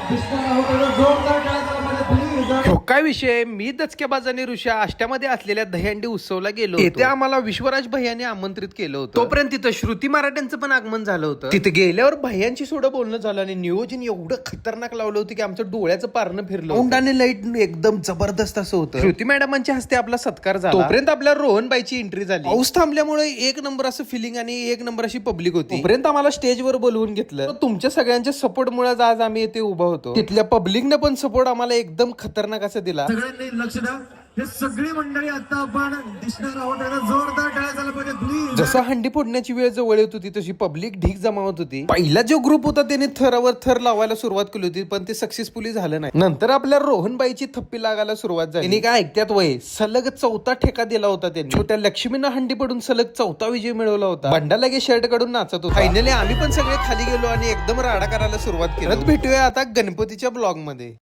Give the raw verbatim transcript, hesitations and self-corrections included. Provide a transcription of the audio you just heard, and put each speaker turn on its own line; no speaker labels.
हो काय विषय, मी दचक्याबाजाने ऋषा आष्ट्यामध्ये असलेल्या दहीहंडी उत्सवला गेलो होतो. तिथे आम्हाला विश्वराज भैयाने आमंत्रित केलं होतं. तोपर्यंत तिथं श्रुती मराठ्यांचं पण आगमन झालं होतं. तिथे गेल्यावर भैयांची सोडं बोलणं झालं आणि नियोजन एवढं खतरनाक लावलं होतं की आमचं डोळ्याचं पारणं फिरलं. तोंडाने लाईट एकदम जबरदस्त असं होतं. श्रुती मॅडमांच्या हस्ते आपला सत्कार झाला. तोपर्यंत आपल्या रोहनबाईची एंट्री झाली. पाऊस थांबल्यामुळे एक नंबर असं फिलिंग आणि एक नंबर अशी पब्लिक होती. तोपर्यंत आम्हाला स्टेजवर बोलवून घेतलं. तुमच्या सगळ्यांच्या सपोर्ट मुळे आज आम्ही इथे उभा होतो. तिथल्या पब्लिकने पण सपोर्ट आम्हाला एकदम खतरनाक असं दिला.
सगळ्यांनी लक्ष द्या. हे सगळी मंडळी आता आपण दिसणार आहोत. जोरदार टाळ्या झाला पाहिजे प्लीज.
जसं हंडी फोडण्याची वेळ जवळ येत होती तशी पब्लिक ढीक जमावत होती. पहिला जो ग्रुप होता त्याने थरावर थर लावायला सुरुवात केली होती, पण ते सक्सेसफुली झालं नाही. नंतर आपल्या रोहनबाईची थप्पी लागायला सुरुवात झाली. त्यांनी काय ऐकत्यात वय सलग चौथा ठेका दिला होता त्यांनी. छोट्या लक्ष्मीनं हंडी पडून सलग चौथा विजय मिळवला होता. बंडा लगे शर्ट काढून नाचत होता. फायनली आम्ही पण सगळे खाली गेलो आणि एकदम राडा करायला सुरुवात केली. परत भेटूया आता गणपतीच्या ब्लॉग मध्ये.